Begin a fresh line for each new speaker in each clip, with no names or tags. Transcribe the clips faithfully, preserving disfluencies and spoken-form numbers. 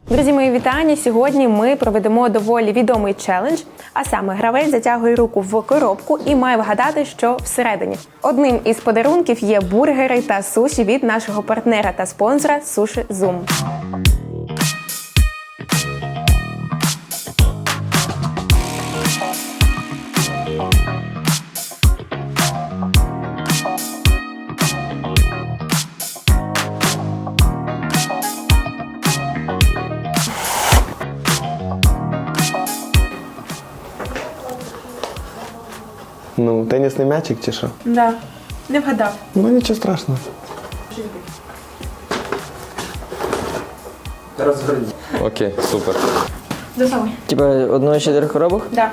Друзі, мої вітання! Сьогодні ми проведемо доволі відомий челендж, а саме гравець затягує руку в коробку і має вгадати, що всередині. Одним із подарунків є бургери та суші від нашого партнера та спонсора Суші Зум.
Ну, тенісний м'ячик чи що?
Да, не вгадав.
Ну, нічого страшного.
Розгорні.
Окей, супер.
Засовуй.
Типа одної з чотирьох коробок?
Да.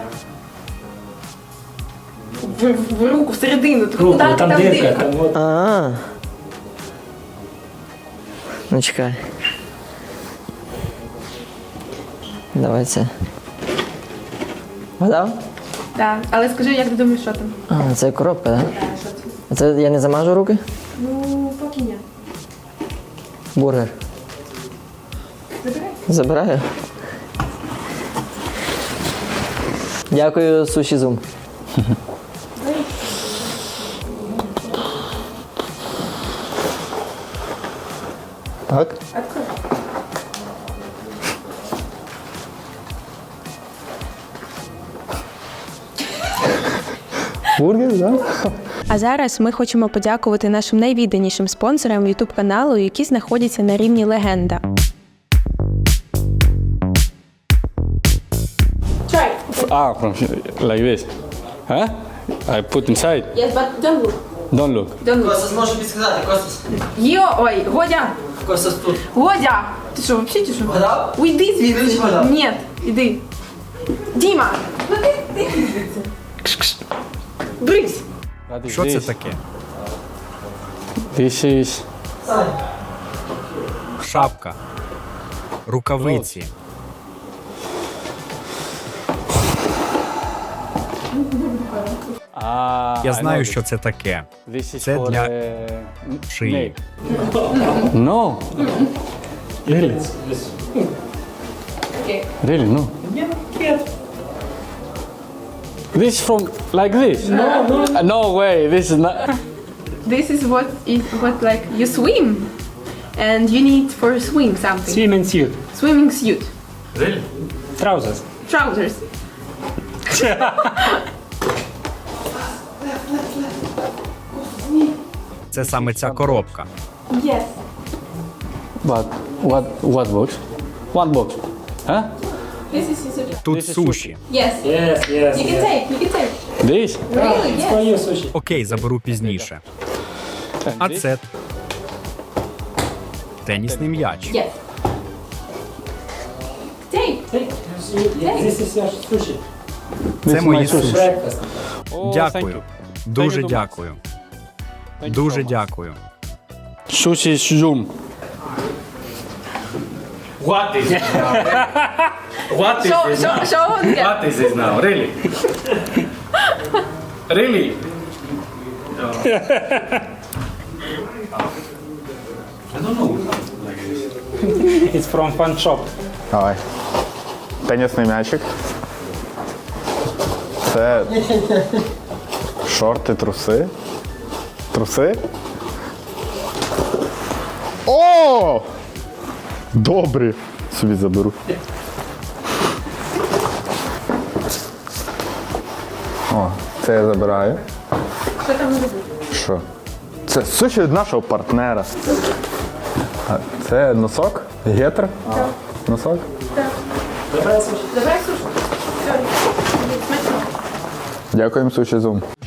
В, в, в руку, всередину.
Руку,
Куди
там,
там
дирка,
дирка?
там вот.
А. Ну чекай. Давай це. Вгадав?
Да. Але скажи, як ти думаєш, що там?
А, це коробка, так?
Да, що це?
А це я не замажу руки?
Ну, поки ні.
Бургер.
Забирай.
Забираю. Дякую, Суші Зум.
Так?
Открой.
Бургер, так? Да?
А зараз ми хочемо подякувати нашим найвідданішим спонсорам ютуб каналу, які знаходяться на рівні легенда. Try.
Ah, from like this. Huh? I put inside.
Yes, but don't look.
Don't look.
Don't look.
Костас може підсказати, Костас.
Йо, ой, Годя!
Костас тут.
Годя! Ти що, взагалі чи що?
Вгадав?
Уйди
Ти
звідси.
ж вгадав.
Ні, іди. Діма! Ну ти, ти звідси. Брись!
That is
Що це
this.
таке?
This is
Шапка. Рукавиці.
Ah,
Я
I
знаю,
know
що
this.
це таке.
This is
Це
for
для
uh,
шиї.
nail. No. Really? Really? No. This is from like this? No, no. Uh, no way. This is not.
This is what is what like you swim and you need for swim something.
Swimming suit.
Swimming suit.
Trousers.
Trousers.
Це саме ця коробка.
Yes.
But what? What box? One box. Huh?
This is sushi.
Тут
This is
суші.
Yes.
Yes, yes,
You can take. You can take.
This?
Really? Yes.
Окей, заберу пізніше.
And
А
this?
це тенісний м'яч.
Yes. Take. Take.
Це
This
мої
my sushi.
суші.
Oh, thank
Дякую.
you.
Дуже
Thank you so much.
дякую.
Thank you so
Дуже
much.
дякую.
Sushi Zoom.
What is it now? What is
Show,
this
show,
now?
show on the-
What is this now? Really? Really? I don't know. Like this.
It's from fun shop.
Давай. Тенісний м'ячик. Це шорти, труси. Труси. О! Добрі. Собі заберу. О, це я забираю.
Що там буде?
Що? Це суші від нашого партнера. А це носок? Гетр? Носок?
Забирай сушу. Все. Смачно.
Дякуємо, Суші Зум.